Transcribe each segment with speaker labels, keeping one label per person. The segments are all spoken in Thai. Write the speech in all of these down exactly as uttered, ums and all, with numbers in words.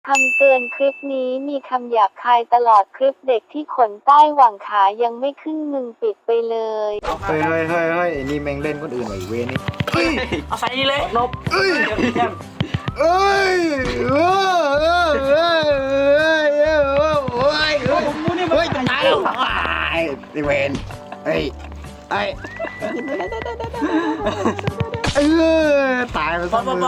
Speaker 1: คำเตือนคลิปนี้มีคำหยาบคายตลอดคลิปเด็กที่ขนใต้หว่างขายังไม่ขึ้นมึงปิดไปเลย
Speaker 2: เฮ้ยเฮ้ยเฮ้ยเฮ้ยไอ้นี่แม่งเล่นคนอื่นไอ้เวนี่เฮ้ย
Speaker 3: เอาใส่เลยนบ
Speaker 2: เอ้ย
Speaker 3: เอ้
Speaker 2: ยเอ้ยเอ้ยเอ้ยเอ้ยเอ้ยเอ้ยเฮ้ยตายแล้วไอ้เวนเฮ้ยไอ้เออตายไปซะมึง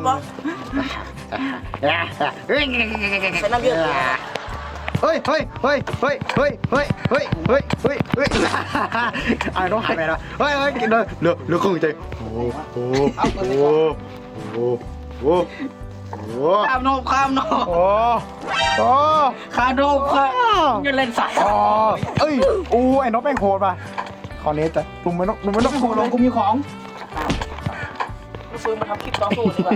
Speaker 2: เฮ้ย
Speaker 3: เป็นน้ำเยอะ
Speaker 2: เฮ้ยเฮ้ยเฮ้ยเฮ้ยเฮ้ยเฮ้ยเฮ้ยเฮ้ยเฮ้ยเฮ้ยไอ้น้องหายไปแล้วเฮ้ยเฮ้ยเดี๋ยวเดี๋ยวเดี๋ยวคงใจโอ้โหโอ้โหโอ้โหโอ้โห
Speaker 3: ข้ามโนบข้ามโนบ
Speaker 2: โอ้โห
Speaker 3: ข้ามโนบข้ามยืนเล่นสาย
Speaker 2: อ๋อเอ้ยอู้ไอ้น้องแม่งโหดป่ะคราวนี้จะลุงไม่ต้องลุงไม่ต้องโหดลงกูมีของ
Speaker 3: ซื้อมาทำคลิปต่อสู้ดีกว่า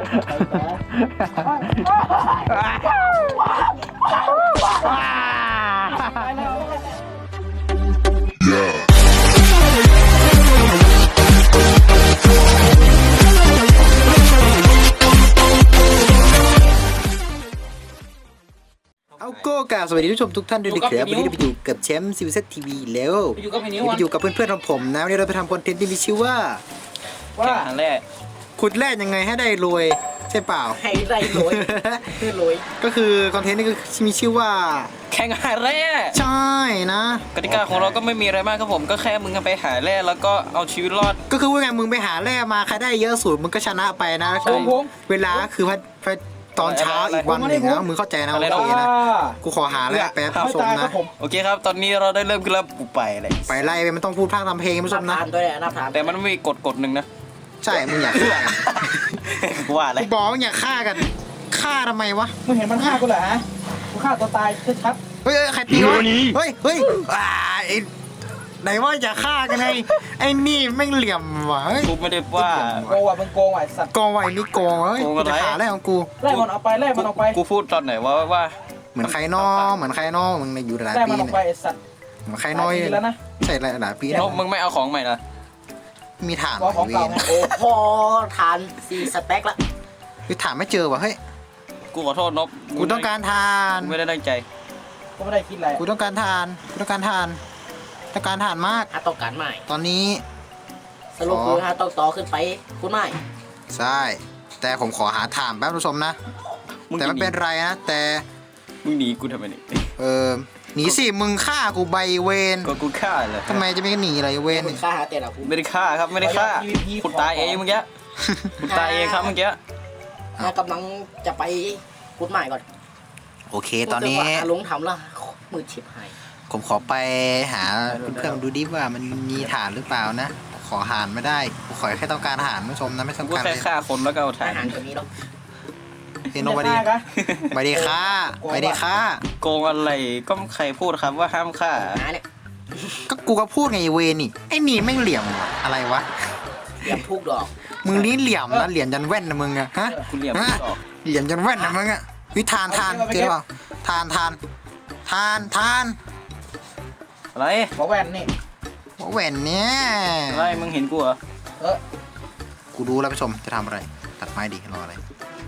Speaker 2: เอาโก้กล่าวสวัสดีทุกชมทุกท่านด้วยนะครับวันนี้เราไปอยู่กับแชมป์ซีวีเซตทีวีแล้วไปอยู่กับเพื่อนๆของผมนะวันนี้เราไปทำคอนเทนต์ที่มีชื่อว่า
Speaker 3: ว่าแรก
Speaker 2: ขุดแร่ยังไงให้ได้รวยใช่เปล่า
Speaker 3: ให้ได้รวยคือรวย
Speaker 2: ก็คือคอนเทนต์นี้ก็มีชื่อว่า
Speaker 3: แข่งหาแร่
Speaker 2: ใช่นะ
Speaker 3: กติกาของเราก็ไม่มีอะไรมากครับผมก็แค่มึงไปหาแร่แล้วก็เอาชีวิตรอด
Speaker 2: ก็คือว่าไงมึงไปหาแร่มาใครได้เยอะสุดมึงก็ชนะไปนะเวลาคือพัดตอนเช้าอีกวันหนึ่งนะมึงเข้าใจนะโอเคนะกูขอหาแร่แป๊บผู้ชมนะ
Speaker 3: โอเคครับตอนนี้เราได้เริ่มขึ้นแล้วกูไปเลย
Speaker 2: ไปไล่ไปมันต้องพูดภาคทำเพลงผู้ชมนะ
Speaker 3: แต่มันมีกฎกฎหนึ่งนะ
Speaker 2: ใช่มึงอยากฆ่ากัน
Speaker 3: ว่าอะไร
Speaker 2: บอกมึงอยากฆ่ากันฆ่าทำไมวะ
Speaker 4: มึงเห็นมันฆ่ากูเหรอฮะกูฆ่าตัวตายชัด
Speaker 2: เฮ้ยใครตีวะเฮ้ยเฮ้ยอ่าไอ้ไหนว่าอยากฆ่ากันไงไอ้นี่แม่งเหลี่ยมว่ะ
Speaker 3: กูไม่ได้ว่า
Speaker 4: โกงว่ะมึงโกงว่ะสัตว์
Speaker 2: โกงว่ะไอ้นี่โกงเฮ้ยกูจะหาอะไรของกู
Speaker 4: ไล่มันออกไปไล่มันออกไป
Speaker 3: กูพูดตอนไหนว่าว่า
Speaker 2: เหมือนใครนอเหมือนใครนอมึงอยู่หลายปีเนี่ยเหมือนใครนอย
Speaker 4: แล้วนะ
Speaker 2: ใช่หลายปี
Speaker 3: แล้วมึงไม่เอาของใหม่ละ
Speaker 2: มีฐาน
Speaker 4: ของเก่า
Speaker 3: โอ้พอฐานสี่สเต็กละ
Speaker 2: คือฐานไม่เจอว่ะเฮ้ย
Speaker 3: กูขอโทษนบ
Speaker 2: กูต้องการทาน
Speaker 3: ไม่ได้ตั้งใจ
Speaker 4: กูไม่ได้คิดอะไร
Speaker 2: กูต้องการทานกูต้องการทานต้องการทานมาก
Speaker 3: ต้องการใหม่
Speaker 2: ตอนนี้
Speaker 3: สรุปคือฮะต้องต่อขึ้นไปคุณไม่
Speaker 2: ใช่แต่ผมขอหาฐานแป๊บผู้ชมนะแต่ไม่เป็นไรนะแต่
Speaker 3: มึงหนีกูทำไมนี่
Speaker 2: เออหนีสิมึงฆ่ากูใบเวน
Speaker 3: ก็กูฆ่าเลย
Speaker 2: ทำไมจะไม่หนีอะไรเวน
Speaker 3: ฆ่าแต่ละกูไม่ได้ฆ่าครับไม่ได้ฆ่าคุณตายเองเมื่อกี้คุณตายเองครับเมื่อกี้กำลังจะไปคุณใหม่ก่อน
Speaker 2: โอเคตอนนี้
Speaker 3: ลุงทำละมือฉิบหาย
Speaker 2: ผมขอไปหาเพื่อนๆดูดิว่ามันมีฐานหรือเปล่านะขอหานไม่ได้ผมขอแค่ต้องการฐานผู้ชมนะไม่สำคัญ
Speaker 3: เลยแค่ฆ่าคนแล้วก็เอาฐานตัวนี้หรอก
Speaker 2: เฮโนบดีไม่ได้ฆ่าไม่ได้ฆ่า
Speaker 3: โกงอะไรก็ใครพูดครับว่าห้ามฆ่า
Speaker 2: ก็กูก็พูดไงเวนี่ไอ้นี่แม่งเหลี่ยมอะไรวะ
Speaker 3: เหลี่ยมทุกดอก
Speaker 2: มึงนี่เหลี่ยมนะเหลี่ยมยันแว่นนะมึงอะฮะ
Speaker 3: เหลี่ยมดอก
Speaker 2: เหลี่ยมยันแว่นนะมึงอะวิทานทานเจอเปล่าทานทานทานทาน
Speaker 3: อะไร
Speaker 4: หมอแว่นนี่
Speaker 2: หมอแว่นเนี่ย
Speaker 3: อะไรมึงเห็นกูเหรอ
Speaker 4: เออ
Speaker 2: กูดูแล้วผู้ชมจะทำอะไรตัดไม้ดิรออะไร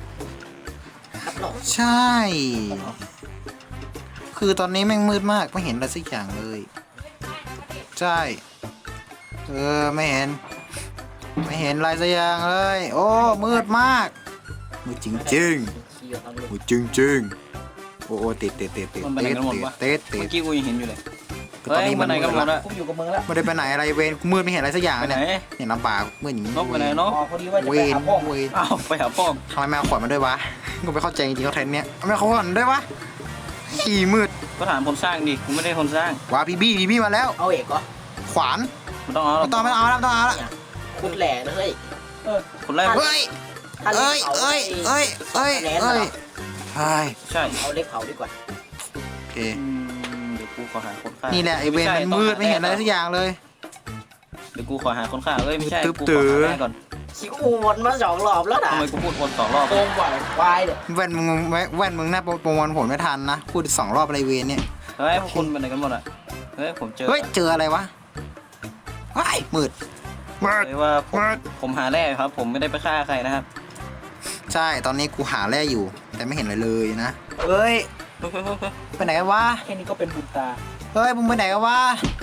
Speaker 2: ใช่คือตอนนี้แม่งมืดมากไม่เห็นอะไรสักอย่างเลยใช่เออไม่เห็นไม่เห็นอะไรสักอย่างเลยโอ้มืดมากมืดจริงจริงมืดจริงจริงโอ้โอ้ติดติดติดติดติดติดติด
Speaker 3: เมื่อกี้กูยังเห็นอยู่เลย
Speaker 2: ตอนนี้มัน
Speaker 4: มืด
Speaker 2: แล้ว
Speaker 4: กูอยู่กับมึงแล้ว
Speaker 2: ไม่ได้ไปไหนอะไรเวรมืดไม่เห็นอะไรสักอย่างเนี่ยเห็นลำบากมืดอย่างนี้
Speaker 3: นกไปไหนเนาะ
Speaker 2: เวรเวร
Speaker 3: อ้าวไปหาพ่อ
Speaker 2: ทำไมแมวขวัญมาด้วยวะกูไม่เข้าใจจริงๆเขาเทรนเนี้ยแมวขวัญด้วยวะขี่มืด
Speaker 3: ก็ถามคนสร้างดิกูไม่ได้คนสร้าง
Speaker 2: ว้าพี่บี้พี่บี้มาแล้ว
Speaker 3: เอาเอกเหรอ
Speaker 2: ขวาน
Speaker 3: ไม่ต้องเอา
Speaker 2: ไม่ต้องไม่เอาแล้วไม่ต้องเอาแล้ว
Speaker 3: คุณแหล่เลยเออคุณแหล่
Speaker 2: เฮ้ยเอ้ยเอ้ยเอ้ยเอ้ยเอ้ยใช่
Speaker 3: ใช่เอาเล็กเผาดีกว่า
Speaker 2: โอเค
Speaker 3: เดี๋ยวกูขอหาคนฆ่า
Speaker 2: นี่แหละไอเวนมันมืดไม่เห็นอะไรสักอย่างเลย
Speaker 3: เดี๋ยวกูขอหาคนฆ่าเอ้ยไม่ใช่กูขอหาแม่ก่อนคิววนมาสองรอบแล้วนะทำไมกูพูดวนสองรอบ
Speaker 4: โกงไหวควายเนี่ย
Speaker 2: แว่นมึงแว่นมึงน่าประมวลผลไม่ทันนะพูดสองรอบอะไรเวนเนี่ย
Speaker 3: เฮ้ยพวกคุณเป็นไหนกันหมดอ่ะเฮ้ยผมเจอ
Speaker 2: เฮ้ยเจออะไรวะว้ายมืด
Speaker 3: มืดว่าผมผมหาแร่ครับผมไม่ได้ไปฆ่าใครนะครับ
Speaker 2: ใช่ตอนนี้กูหาแร่อยู่ แต่ไม่เห็นอะไรเลยนะเฮ้ยไปไหนกันวะ
Speaker 4: แค่นี้ก็เป็นบุญตา
Speaker 2: เฮ้ยมึงไปไหนกันวะ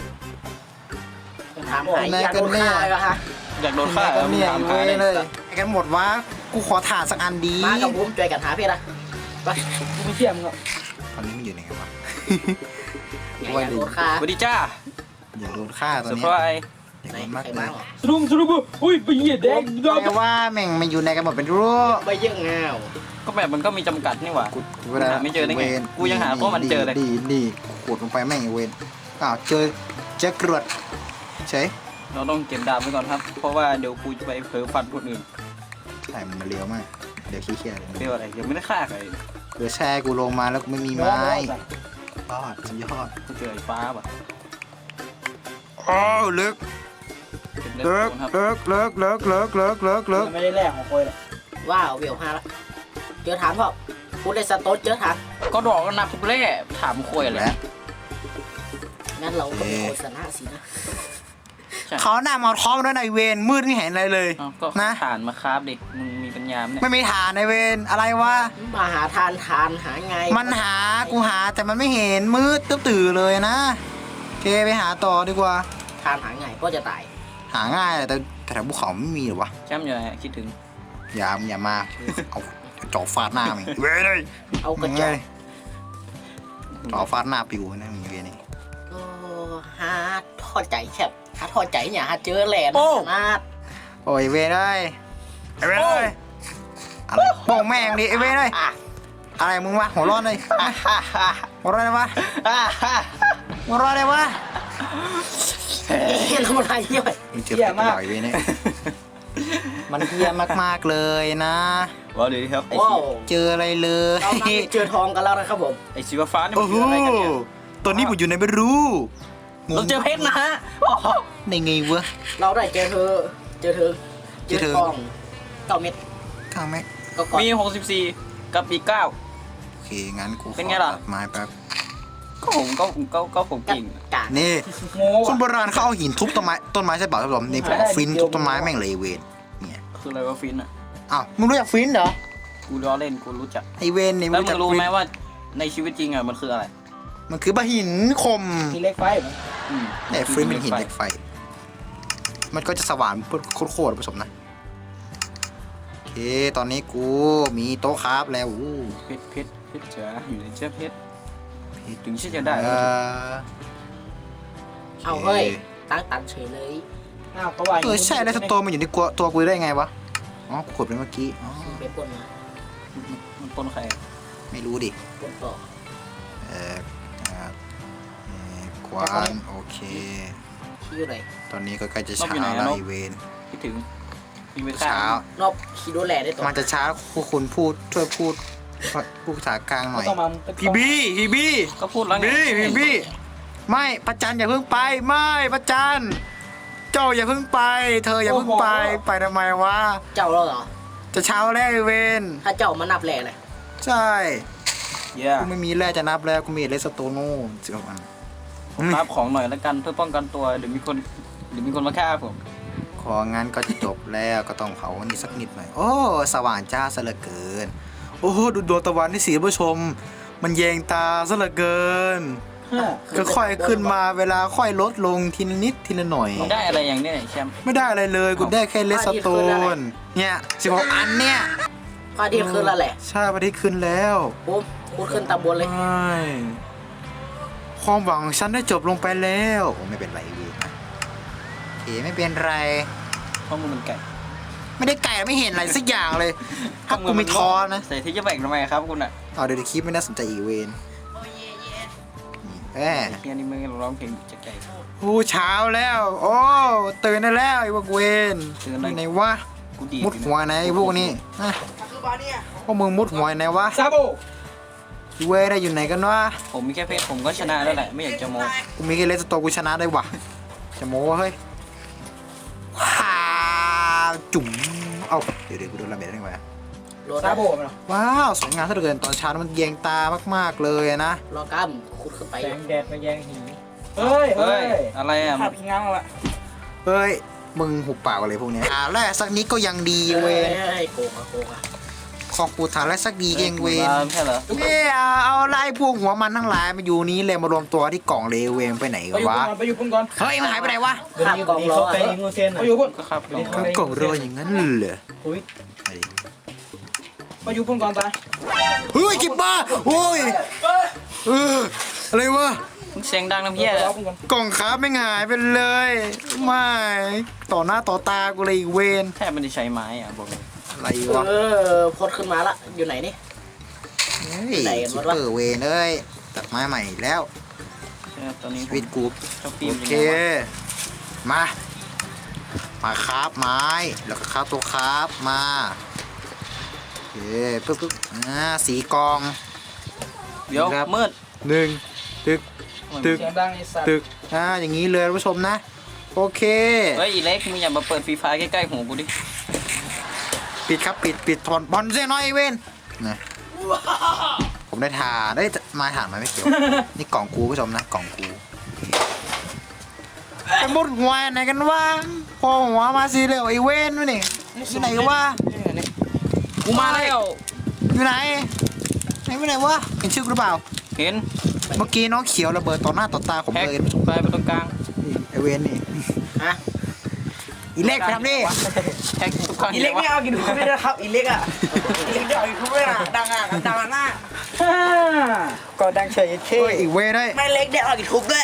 Speaker 3: ถามหายอยากโดนฆ่าเลยฮะ
Speaker 5: อยากโดนฆ่า
Speaker 2: ไปไหนกันเนี่ย
Speaker 5: ถาม
Speaker 2: เว้
Speaker 5: หาย เลย
Speaker 2: เลยไปกันหมดวะกูขอถ่านสักอันดี
Speaker 3: มากับผมช่วยกันหาเพชรอะไป
Speaker 4: กูไม่เชื่อมึงหรอก
Speaker 2: ตอนนี้มันอยู่ไหนกันวะ
Speaker 3: อยากโดนฆ่า
Speaker 5: สวัสดีจ้า
Speaker 2: อย่าโดนฆ่าตอน
Speaker 5: เซอร์
Speaker 2: นี้
Speaker 5: ไพรส์
Speaker 2: อย่า
Speaker 3: ไหน
Speaker 2: โดนมาก
Speaker 3: ใคร
Speaker 2: เล
Speaker 3: มาย เหรอ
Speaker 4: สรุปสรุปอุ้ยไปเหยียดแดงดอก
Speaker 2: แต่ว่าแม่งมันอยู่ในกันหมดเป็นรูป
Speaker 3: ไปเยอะเงา
Speaker 5: ก็แบบมันก็มีจำกัดนี่หว่า
Speaker 2: กูกู
Speaker 5: หาไม่เจอได้ไง
Speaker 2: วร
Speaker 5: กูยังหาพวกมันเจอเลย
Speaker 2: ดีดีขูดลงไปแม่งไอ้เวนอ้าวเจอเจอกรวดใช่
Speaker 5: เราต้องเก็บดาบไว้ก่อนครับ เพราะว่าเดี๋ยวกูจะไปเผลอฟันคนอื่น
Speaker 2: ใช่มันมาเลี้ยวมากเดี๋ยวขี้เกียจเลย
Speaker 5: เรียกว่าอะไรยังไม่ได้ฆ่าใคร
Speaker 2: เดี๋ยวแช่กูลงมาแล้วกูไม่มีไม้ยอดสุดยอด
Speaker 5: กูเจอไอ้ฟ้าป่ะ
Speaker 2: อ้าวเลิก
Speaker 5: เก็บเล็
Speaker 2: เลิก
Speaker 5: ครับ
Speaker 2: เลิกเลิกเลิกเลิกเลิกเลิกเลิก
Speaker 4: ไม่ได้แลกของคอยหรอก
Speaker 3: ว้าวเวลห้าละเจอถามพ่อพูดได้สโต๊ดเจอถาม
Speaker 5: ก็ดอกก็นับทุกเล่ถามคุยอะไร
Speaker 2: แล้ว
Speaker 3: งั้นเราก็เป็นโฆษณาสินะ
Speaker 2: เขาหน้ามาท้อมด้วยนายเวนมืดไม่เห็นอะไรเลย
Speaker 5: อ้าวก็
Speaker 2: นะ
Speaker 5: ฐานมาคราบดิมึงมีปัญญาไหมเนี่ย
Speaker 2: ไม่มีฐานนายเวนอะไรวะ
Speaker 3: มาหาทานทานหาไง
Speaker 2: มันหากูหาแต่มันไม่เห็นมืดตึ๊บตื่อเลยนะโอเคไปหาต่อดีกว่า
Speaker 3: ทานหาไงก็จะตาย
Speaker 2: หาง่ายแต่แต่แถวภูเขาไม่มีหรอวะ
Speaker 5: แชมป์อยู่ไหนคิดถึง
Speaker 2: อย่าอย่ามาเอาจอบฟาดหน้ามึงเว้ยเลย
Speaker 3: เอากระจก
Speaker 2: จอบฟาดหน้าปิวนะมึงเว้ยนี่
Speaker 3: โอ้หาทอดใจแคบหาทอดใจเนี่ยหาเจอแหลนนา
Speaker 2: โอ้ยเว้ยเลยไอเว้ยเลยอะไรโป้งแม่งดิไอเว้ยเลย
Speaker 3: อ่ะ
Speaker 2: อะไรมึงวะหัวร้อนเลย
Speaker 3: ฮ่าฮ่าฮ่า
Speaker 2: หัวร้อนเลยวะ
Speaker 3: ฮ่าฮ่า
Speaker 2: หัวร้อนเลยวะ
Speaker 3: เฮ้ยทำอะไรเนี่ย
Speaker 2: มึงเจอเป็ดตลอดไอเว้ยเนี่ยมันเฮี้ยมากๆเลยนะ
Speaker 5: ว่าดีครับไอ้
Speaker 3: ว้าว
Speaker 2: เจออะไรเลย
Speaker 3: เรามาเจอทองกันแล้วนะครับผม
Speaker 5: ไอ้ชีวฟ้านี่มั
Speaker 2: โอ้
Speaker 5: น
Speaker 2: โห
Speaker 5: คืออะไรกันเนี่ย
Speaker 2: ตอนนี้ผมอยู่ในไม่รู้ง
Speaker 5: เรา
Speaker 2: ง
Speaker 5: เจอเพชรนะฮะโอ้โห
Speaker 2: ในไงวะ
Speaker 3: เราได้เจอเธอ เจอเธอ
Speaker 2: เจอเธอ
Speaker 3: ทองเก้าเม็ด
Speaker 2: ข้างแม็ก
Speaker 3: ก็ก่อน
Speaker 5: มีหกสิบสี่กับอีกเก้า
Speaker 2: โอเคงั้นกูข
Speaker 5: เป็น
Speaker 2: อ
Speaker 5: ไงล่ะ
Speaker 2: ตัดไม้แป๊บ
Speaker 5: ก็ผมก็ก็ก็ผม
Speaker 3: กัด
Speaker 5: เก่ง
Speaker 3: กาก
Speaker 2: นี่
Speaker 4: โง่
Speaker 2: คนโบราณเขาเอาหินทุบต้นไม้ต้นไม้ใช่เปล่าครับผมนี่ผมเอาฟินทุบต้นไม้แม่งเลยไอ้เวนเนี่ย
Speaker 5: คืออะไรวะฟินอ่ะ
Speaker 2: อ้าวมึงรู้จักฟินเหรอ
Speaker 5: กูล้อเล่นกูรู้จัก
Speaker 2: ไอเวนเนี่ย
Speaker 5: แล้ว
Speaker 2: รู้
Speaker 5: มึ
Speaker 2: จัก
Speaker 5: งรู้
Speaker 2: ฟิน
Speaker 5: ไหมว่าในชีวิตจริงอ่ะมันคืออะไร
Speaker 2: มันคือบะหินคม
Speaker 4: ทีเล็กไฟเหรอ
Speaker 5: อืม
Speaker 2: แต่ฟินเป็นหินเหล็กไฟ มันก็จะสว่านโคตรๆผสมนะโอเคตอนนี้กูมีโต๊ะคราฟแล้วอู้
Speaker 5: เพชรเพชรเพชรจ๋าอยู่ในเจ้าเพชรถึงที่จะได้
Speaker 2: เออ
Speaker 3: เอาเฮ้ยตั้งตันเฉยเลย
Speaker 4: อ้าวก็ว่า
Speaker 2: เออใช่แล้วสโตนมันอยู่ในตัวตัวกูได้ไงวะอ๋อกูกดไปเมื่อกี้อ๋อ
Speaker 3: เป็นปนมา
Speaker 5: มันปนใคร
Speaker 2: ไม่รู้ดิ
Speaker 3: ปนต่อ
Speaker 2: เออเอ่อเอ่อควานโอเค
Speaker 3: ขี้อยู่ไหน
Speaker 2: ตอนนี้ก็ใกล้จะเช้าแล้วไอเวน
Speaker 5: คิดถึงมีไปฆ่า
Speaker 2: เช้าน
Speaker 3: อกขี้ดูแลได้ตัว
Speaker 2: มันจะช้าพวกคุณพูดช่วยพูดพูดภาษากลางหน่อย
Speaker 4: ต้องมา
Speaker 2: พี่บี้พี่บี้
Speaker 5: ก็พูดแล้วไง
Speaker 2: บี้พี่บี้ไม่ประจันอย่าเพิ่งไปไม่ประจันเจ้าอย่าเพิ่งไป เธออย่าเพิ่งไปไปทำไมวะ
Speaker 3: เจ้าแล้วเหรอ
Speaker 2: จะเช้าแล้วไอเวน
Speaker 3: ถ้าเจ้ามานับแหล่เลย
Speaker 2: ใช่
Speaker 5: เย่
Speaker 2: กูไม่มีแร่จะนับแล้วกูมีเลสโตโน่สิบอัน
Speaker 5: รับของหน่อยแล้วกันเพื่อป้องกันตัวเดี๋ยวมีคนเดี๋ยวมีคนมาฆ่าผม
Speaker 2: ของานก็จบแล้วก็ต้องเผาวันนี้สักนิดหน่อยโอ้สว่างจ้าซะเหลือเกิน โอ้โหดูดวงตะวันที่สีผู้ชม มันแยงตาซะเหลือเกิน ก็ค่อยขึ้นมาเวลาค่อยลดลงทีละนิดทีละหน่อย
Speaker 5: มึงได้อะไรอย่างเนี้ยแชมป์
Speaker 2: ไม่ได้อะไรเลยกูได้แค่เลสโตนเนี่ยสิบหกอันเนี่ย
Speaker 3: พอดีขึ้นแล้วแหละ
Speaker 2: ใช่วันที่ขึ้นแล้ว
Speaker 3: ปุ๊บพูดขึ้นตามบนเลย
Speaker 2: ใช่ความหวังของฉันได้จบลงไปแล้วโอ้ไม่เป็นไรเวียนะโอเคไม่เป็นไร
Speaker 5: เพราะมึงเป็นไก่
Speaker 2: ไม่ได้ไก่ไม่เห็นอะไรสักอย่างเลยถ้ากูไม่ทอนะ
Speaker 5: ใส่ที่จะแบ่งทำไมครับคุณอ่ะ
Speaker 2: เอาเดี๋ยวคลิปไม่น่าสนใจอีกเวนแหม
Speaker 5: ไอ้เฮียนี่มึงร้องเพลงจะไก่
Speaker 2: โอ้เช้าแล้ว โอ้ตื่นได้แล้วไอ้พวกเวน
Speaker 5: ตื่นอะไร
Speaker 2: ไหนวะ
Speaker 5: กูดี
Speaker 2: มุดหัวไหนไอ้พวกนี้ฮะพวกมึงมุดหัวไหนวะ
Speaker 4: ซาโบ
Speaker 2: เวยได้อยู่ไหนกันวะ
Speaker 5: ผมมีแค่เพชรผมก็ชนะแล้วแหละไม่อยากจะโม้
Speaker 2: กูมีแค่เลสโตกูชนะได้วะจะโม้วะเฮ้ยว้าวจุ๋มเอ้าเดี๋ยวเดี๋ยวกูโดนระเบิดได้ไงวะ
Speaker 3: รอ
Speaker 4: ซา
Speaker 3: ก้าม
Speaker 4: โบมันเหรอ
Speaker 2: ว้าวสวยงามซะเหลือเกินตอนเช้ามันแยงตามากๆเลยนะ
Speaker 3: รอก้ามขุดขึ้นไป
Speaker 4: แสงแดดมาแยงหินเฮ้ย
Speaker 5: เฮ้
Speaker 4: เฮ้
Speaker 5: ย
Speaker 4: ย
Speaker 5: อะไรอ่ะ
Speaker 4: ขับพิงง้างละ
Speaker 2: เฮ้ยมึงหุบปากอะไรพวกเนี้ยอ่าแรกสักนิดก็ยังดีเว้ย
Speaker 3: เฮ้ยโกงอะโกงอะ
Speaker 2: ของกูฐานไรสักดีเองเวน
Speaker 5: ไม่ใช่เหรอ
Speaker 2: เนี่ยเอาเอาไล่พวกหัวมันทั้งหลายมาอยู่นี้เลยมารวมตัวที่กล่องเลเวนไปไหน
Speaker 4: ไป
Speaker 2: กัน
Speaker 4: อยู่
Speaker 2: วะ
Speaker 4: ก่อนไปอยู่ปุ่นก่อน
Speaker 2: เฮ้ยมันหายไปไหนวะ
Speaker 3: ข้ามกองรอ
Speaker 4: ไปยิงงูเซียนไปอยู่ปุ่น
Speaker 5: ก็ครับลอง
Speaker 2: ข้างกล่องรอยอย่างนั้นเหรอ
Speaker 4: อุ้ยไปอยู่ปุ่นก่อนตาย
Speaker 2: เฮ้ยจิบบ้าโอ้ยเอออะไรวะ
Speaker 5: มึงเสียงดังน้ำเพี้ยเลย
Speaker 4: รอปุ่นก่อน
Speaker 2: กล่องค้าไม่หายไปเลยไม่ต่อหน้าต่อตากูเลยอีกเวน
Speaker 5: แทบไม่ได้ใช้ไม้อ่ะบอกเลย
Speaker 2: อะไรวะ
Speaker 3: เออพดขึ้นมาละอยู่ไหนนี่
Speaker 2: เฮ้ย
Speaker 3: ไหนกัน
Speaker 2: คิ
Speaker 3: วะ
Speaker 2: ปเปอร์เวนเอ้ยตัดไม้ใหม่อีกแล้ว
Speaker 5: ใช่ครับตอนนี้
Speaker 2: ชีวิตกู
Speaker 5: ชอบฟิ
Speaker 2: โอ
Speaker 5: ล์ม
Speaker 2: เค มา มาคราฟไม้ แล้วก็คราฟตัวคราฟมา โอเคปึ๊บปึ๊บอ่าสีกอง
Speaker 5: เดี๋ยว
Speaker 2: ครับ
Speaker 5: มืด
Speaker 2: หนึ่งตึก ตึก
Speaker 4: เสียงดังไอ้สัตว์
Speaker 2: ตึกอ่าอย่างนี้เลยท่านผู้ชมนะ โอเค
Speaker 5: เฮ้ยอีเล็กมึงอย่ามาเปิดฟรีไฟใกล้ๆหูกูดิ
Speaker 2: ปิดครับ ปิด ปิดถอนบอลเสียน้อยไอ้เวนนะผมได้ทานได้ยมาฐานมาไม่เกี่ยว นี่กล่องกูผู้ชมนะ กล่องกูเป็นบดหัวไหนกันวะพอหัวมาสีเหลวไอ้เวนวะนี่อยู่ไหนกันวะ
Speaker 5: กูมาแล้ว
Speaker 2: อยู่ไหนไหนไปไหนวะเห็นชื่อกูหรือเปล่า
Speaker 5: เห็น
Speaker 2: เมื่อกี้น้องเขียวระเบิดต่อหน้าต่อตาผม
Speaker 5: แฮก
Speaker 2: เลย
Speaker 5: ไปไปตรงกลาง
Speaker 2: ไอเวนนี่
Speaker 3: ฮะ
Speaker 2: อีเล็กไปทำดิ
Speaker 5: แฮกทุกครั้ง
Speaker 3: อีเล็กไม่เอากินทุกไม่ได้ครับอีเล็กอ่ะอีเล็กไม่เอากินทุกไม่ได้ดังอ่ะดังอ่ะหน้า
Speaker 4: ก็ดังเฉยเท่
Speaker 2: โอ้ยอีเวนได้ย
Speaker 3: ไม่เล็กเด็กเอากินทุกด้วย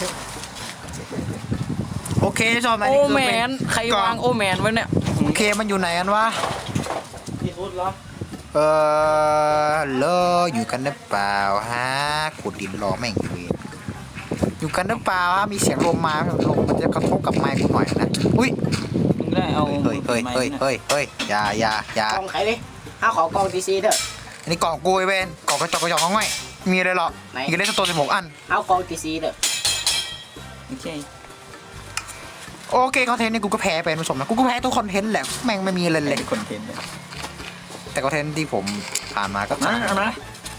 Speaker 2: โอเคชอบไหม
Speaker 5: โอ
Speaker 2: นี่คือ
Speaker 5: แม
Speaker 2: เป็น
Speaker 5: ใครวางโอแมนไว้เนี่ย
Speaker 2: โอเคมันอยู่ไหนกันวะ
Speaker 4: ที่สุดเหรอ
Speaker 2: เออฮัลโหลอยู่กันหรือเปล่าฮะขุดดินรอแม่งอีเวนอยู่กันหรือเปล่าฮะมีเสียงลมมาลมมันจะกระทบกับไมค์กูหน่อยนะอุ้ย
Speaker 5: มึงได้เอา
Speaker 2: เฮ้ยเฮ้ยเฮ้ยเฮ้ยเฮ้ยอย่าอย่าอย่าก
Speaker 3: องใครดิห้าขอกองทีซีเถอะ
Speaker 2: อันนี้กล่องกูไอเวนกล่องกระจอกกระจอกของง่อยมีอะไรหรอ
Speaker 3: ไหน
Speaker 2: มีกันได้สักตัวสิบหกอัน
Speaker 3: ห้ากองทีซีเถอะ
Speaker 5: โอเค
Speaker 2: โอเคคอนเทนต์นี่กูก็แพ้ไปผู้ชมนะกูก็แพ้ทุกคอนเทนต์แหละแม่งไม่มีอะไรเลย
Speaker 5: คอนเทนต์เลย
Speaker 2: แต่คอนเทนต์ที่ผมผ่านมาก็
Speaker 5: นะเอานะ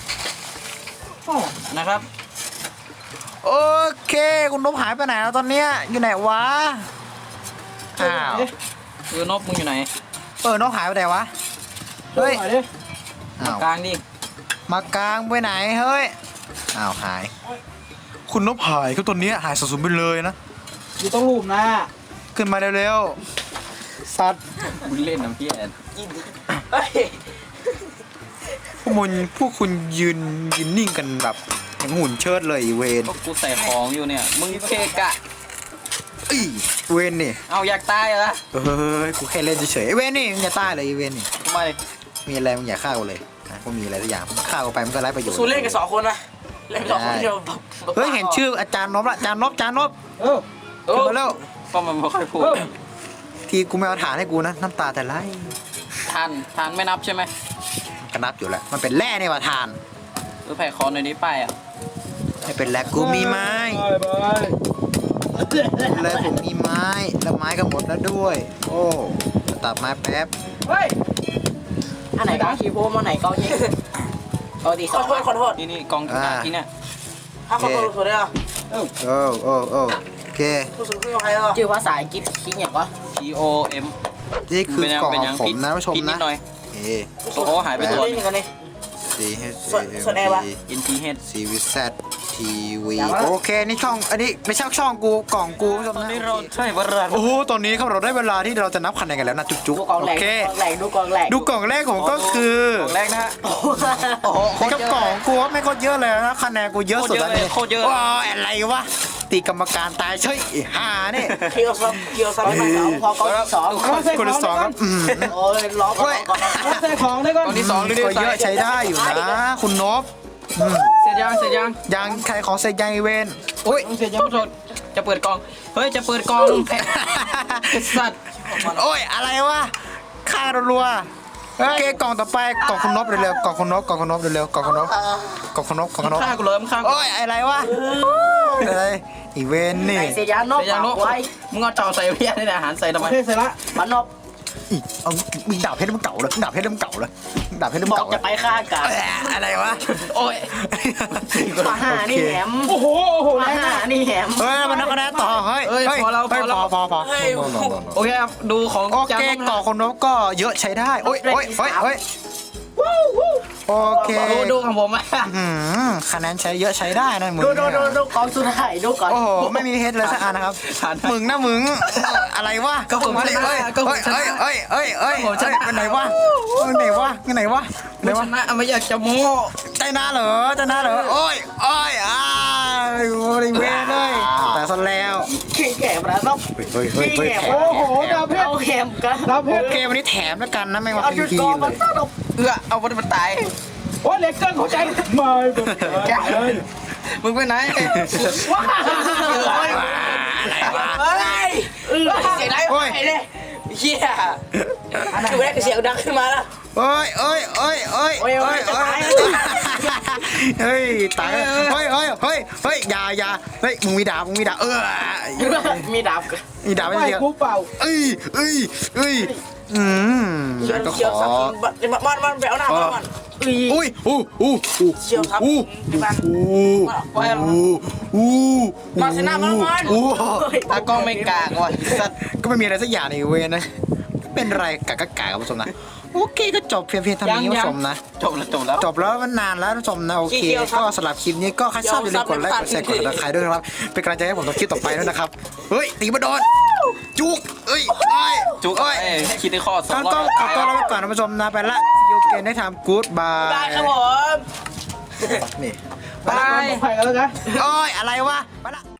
Speaker 5: นะครับ
Speaker 2: โอเคคุณนบหายไปไหนแล้วตอนเนี้ยอยู่ไหนวะอ้าว
Speaker 5: เออนบมึงอยู่ไหน
Speaker 2: เออนบหายไปไหนวะเฮ้ย
Speaker 4: หน่อยดิ
Speaker 2: อ้าว
Speaker 5: กลางดิ
Speaker 2: มากลางไปไหนเฮ้ยอ้าวหาย คุณนบหายคือตอนนี้หายสูญไปเลยนะ
Speaker 4: อยู่ต้องรูปนะ
Speaker 2: ขึ้นมาเร็วๆสัตว์
Speaker 5: มึงเล่นน้ำเพี้ย
Speaker 3: เฮ้ย
Speaker 2: พวกมึงพวกคุณยืนยืนนิ่งกันแบบอย่างหุ่นเชิดเลยอีเวน
Speaker 5: พวกกูใส่ของอยู่เนี่ย มึงเคกะ
Speaker 2: อีเวนนี่
Speaker 5: เอาอยากตายเหรอ
Speaker 2: เฮ้ยกูแค่เล่นเฉยๆไอ้เวนนี่มึงอย่าตายเลยอีเวนนี่
Speaker 5: ทำไม
Speaker 2: มีอะไรมึงอย่าฆ่ากูเลยนะกูมีอะไรสักอย่างฆ่ากูไปมันก็ไร้ประโยชน์
Speaker 3: สู้เล่นกันสองคนนะเล่นสองคนเดียว
Speaker 2: เฮ้ยเห็นชื่ออาจารย์นบละอาจารย์นบอาจารย์นบ
Speaker 4: เออ
Speaker 5: เอ
Speaker 2: ขึ้น
Speaker 5: อ
Speaker 2: มาแล้ว
Speaker 5: ก็มันไม่ค่อยพูด
Speaker 4: เออ
Speaker 2: ทีกูไม่เอาฐานให้กูนะน้ำตาแต่ไหล
Speaker 5: ทานทานไม่นับใช่ไหม
Speaker 2: ก็นับอยู่แล้วมันเป็นแร่นี่ว่าฐาน
Speaker 5: เออแผ่คอหน่อยนี้ป้ายอ่ะ
Speaker 2: ไม่เป็นแร่กูมีไม้
Speaker 4: บายบาย
Speaker 2: แล้วผมมีไม้แล้วไม้ก็หมดแล้วด้วย โอ้ตัดไม้แป๊บ
Speaker 4: เฮ้ย
Speaker 3: อันไหนกองคีโพมาไหนกองยิงกองตีสองขอโทษขอโทษ
Speaker 5: นี่นี่กองกลางที่เนี่ย
Speaker 3: ห้าขอโทษขอโทษได้เหรอ
Speaker 2: โอ้โอ้โอ้โอเค
Speaker 3: ผู้สูงอายุใครเหรอชื่อภาษาอังกฤษคิงอย่างวะ
Speaker 5: T O M
Speaker 2: นี่คือกล่อง
Speaker 5: เป็น
Speaker 2: ข
Speaker 5: ยั
Speaker 2: อง
Speaker 5: ง
Speaker 2: ผม
Speaker 5: ผิด
Speaker 2: นะผู้ชม
Speaker 5: ผิดนิ
Speaker 2: นะ
Speaker 5: ดหน่อย
Speaker 2: เอ
Speaker 5: โอ้โหหายไปตัว
Speaker 3: เล่นกันเลย
Speaker 2: C H
Speaker 3: ส่วนส่วนไหนวะ
Speaker 5: N T H
Speaker 2: C V Z T V โอเคนี่ช่องอันนี้ไม่ใช่ช่องกูกล่องกูผู้ชม
Speaker 5: ตอน
Speaker 2: นะ
Speaker 5: นี้เราใช่วราน
Speaker 2: โอ้โหตอนนี้ครับเราได้เวลาที่เราจะนับคะแนนกันแล้วนะจุ๊บ
Speaker 3: ดูกอง
Speaker 2: ๆ
Speaker 3: แหล
Speaker 2: โอก เค
Speaker 3: กองแหลกดูกองแหลก
Speaker 2: ดูกล่องแรกของก็คือ
Speaker 5: กล่องแรกนะฮะ โอ้โหโคตร
Speaker 2: กับ
Speaker 5: เยอะ
Speaker 2: กล่องกูว่าไม่โคตรเยอะเลยนะคะแนนกูเยอะสุดแล้วนี่
Speaker 5: โคตรเยอะเลยโคตรเยอะ
Speaker 2: ว้าวอะไรวะตีกรรมการตายเฉยไอ้ห่าเนี่ย
Speaker 3: เคียวซับเคียวซับไม่เอาพอกองที่สอง
Speaker 2: คนที่สองครับอืม
Speaker 3: โอ้ยล้อก่อนก่อน
Speaker 4: รับใส่ของได้ก่อน
Speaker 5: กองที่สองดูดิ
Speaker 2: ก็เยอะใช้ได้อยู่นะ คุณนบอืม
Speaker 5: เสร็จยังเสร็จยัง
Speaker 2: ยังใครของเซยังอีเวนโอ้ย
Speaker 4: ต้องเสียยัง
Speaker 5: โทษโทษจะเปิดกล่อง เฮ้ย จะเปิดกล่องแพะสัตว์
Speaker 2: โอ้ยอะไรวะฆ่ารัวๆโอเคกล่องต่อไปกล่องคุณนบเร็วๆกล่องคุณนบกล่องคุณนบเร็วๆกล่องคุณนบกล่องคุณนบกล่องคุณนบ
Speaker 5: ฆ่ากูเลยมึงฆ่ากู
Speaker 2: โอ้ยอะไรวะอะไรอีเวนนี่
Speaker 3: ไอเสียยานน
Speaker 5: เสร็จยัง
Speaker 3: ก
Speaker 5: ลูก
Speaker 3: ไว้
Speaker 5: มึงเอาเต่าใส่เพี้ยนี่อาหารใส่ทำไม
Speaker 4: โอเคเสร็จละ
Speaker 3: มันนบ
Speaker 2: อีเอามีดาบเพชรมันเก่าเลยดาบเพชรมันเก่าเลยดาบเพชรมัน
Speaker 3: บอก
Speaker 2: เก่า
Speaker 3: จะไปฆ่ากัน
Speaker 2: เอ้ยอะไรวะ
Speaker 5: โอ้ย
Speaker 3: มาหานี่แหม
Speaker 4: โอ้โหโอ้โห
Speaker 3: มา
Speaker 4: แรง
Speaker 3: หานี่แหม
Speaker 2: เฮ้ยมันนับคะแนนต่อเฮ้ย
Speaker 5: เอ้ย
Speaker 2: เฮ้ย
Speaker 5: พอแล้ว
Speaker 2: เฮ้ย
Speaker 5: พอแล้ว
Speaker 2: พอพอพอ
Speaker 3: เฮ้ย
Speaker 5: โอเคครับ ดูของ
Speaker 2: โอ
Speaker 5: จาน
Speaker 2: เค
Speaker 5: นกนะ
Speaker 2: กล่องคนนบก็เยอะใช้ได้โอ้ยโอ้ยโอ้ยโอ้ยโอเค
Speaker 3: ดูดูของผมอ่ะ
Speaker 2: อืมคะแนนใช้เยอะใช้ได้นะมึง
Speaker 3: ดูดู
Speaker 2: เนี่ย
Speaker 3: ดูดูกองสุดท้ายดูก่อน
Speaker 2: โอ้โหไม่มีเฮดเลยสักอันนะครับ
Speaker 5: ผ่าน
Speaker 2: มึงนะมึงอะไรวะ
Speaker 3: ก็ผม
Speaker 2: มาดิ
Speaker 3: ชนะ
Speaker 2: เอ้ย
Speaker 3: ก็ผม
Speaker 2: เอ้ย
Speaker 3: ชนะ
Speaker 2: เอ้ยเอ้ยเอ้ยเอ้ย
Speaker 3: ก็ผมชนะ
Speaker 2: ไปไหนวะไปไหนวะไปไหนวะไหน
Speaker 3: ไม่ช
Speaker 2: วะ
Speaker 3: นะไม่อยากจะโม้
Speaker 2: ใจนาเหรอใจนาเหรอโอ้ยโอ้ยอ้าวบริเวณเลยแต่ซะแล้ว
Speaker 3: เข่งแก่มาแล้วเนาะ
Speaker 2: เฮ้ยเฮ้ยเฮ้ยแถม
Speaker 4: โอ้โหดาวเพชร
Speaker 3: เอาแคมกัน
Speaker 4: ดาวเพ
Speaker 2: โอ
Speaker 4: ชร
Speaker 2: เควันนี้แถมแล้วกันนะไม่ว่า
Speaker 3: เอา
Speaker 2: พี
Speaker 3: จุด
Speaker 2: พี
Speaker 3: กอง
Speaker 2: เล
Speaker 3: มัน
Speaker 2: ย
Speaker 3: ต้องเอาเอื้อเอามันมันตาย
Speaker 4: โอ้ยเหล็กเกินหัวใจไม่เป็นไร
Speaker 3: มึงไปไหนว้าอะไรวะเฮ้ยเสียงไรวะไอ้เนี่ยเฮียคือแรกเสียงดังขึ้นมาแล้ว
Speaker 2: เอ้ยเอ้ยเอ้ยเอ้ย
Speaker 3: โอ้ยโอ้
Speaker 2: เอ้
Speaker 3: ย
Speaker 2: ย
Speaker 3: จะ
Speaker 2: เอ้
Speaker 3: ตาย
Speaker 2: ยเฮ้ยตายเฮ้ยเฮ้ยเฮ้ยเฮ้ยอย่าอย่าเฮ้ยมึงมีดาบมึงมีดาบเออ
Speaker 3: มีดาบ
Speaker 2: มีดาบไม่
Speaker 4: ไม่
Speaker 2: เดียว
Speaker 4: กูเปล่า
Speaker 2: เอ้ยเอ้ยเอ้ยอืม
Speaker 3: เชียว
Speaker 2: ก็ข
Speaker 3: เชียว
Speaker 2: อ
Speaker 3: สับมันมันมันไปเอาหน้ามันอุ้ย
Speaker 2: อุ้ยอู้อู้อู้
Speaker 3: เชียวครับ
Speaker 2: อู้
Speaker 3: พี่บ้าน
Speaker 2: อู้อู้อู้
Speaker 3: มาชนะมันมัน
Speaker 2: อู้
Speaker 3: ตากล้องไม่กากว่ะสัตว์
Speaker 2: ก็ไม่มีอะไรสักอย่างในเวรนะเป็นไรกากกากกับผู้ชมนะโอเคก็จบเพียงเพียงเท่านี้ผู้ชมนะ
Speaker 5: จบแล้วจบแล้ว
Speaker 2: จบแล้วมันนานแล้วท่านผู้ชมนะโอเคก็สำหรับคลิปนี้ก็ใครชอบอย่าลืมกดไลค์กดแชร์กดติดตามด้วยนะครับเป็นกำลังใจให้ผมทำคลิปต่อไปด้วยนะครับเฮ้ยตีมาโดนจุกเอ้ยเอ้ย
Speaker 5: จุก
Speaker 2: เอ้ย
Speaker 5: เอ้ยคิดได้ข้อสอง
Speaker 2: ก็
Speaker 5: ร้อย
Speaker 2: ก็ขอตัวลาไปก่อนท่านผู้ชมนะไปละยูเกนได้ทำกู๊ดบาย
Speaker 3: ได้ครับผม
Speaker 2: นี่
Speaker 4: ไปกันแล้วกัน
Speaker 2: โอ้ยอะไรวะไปละ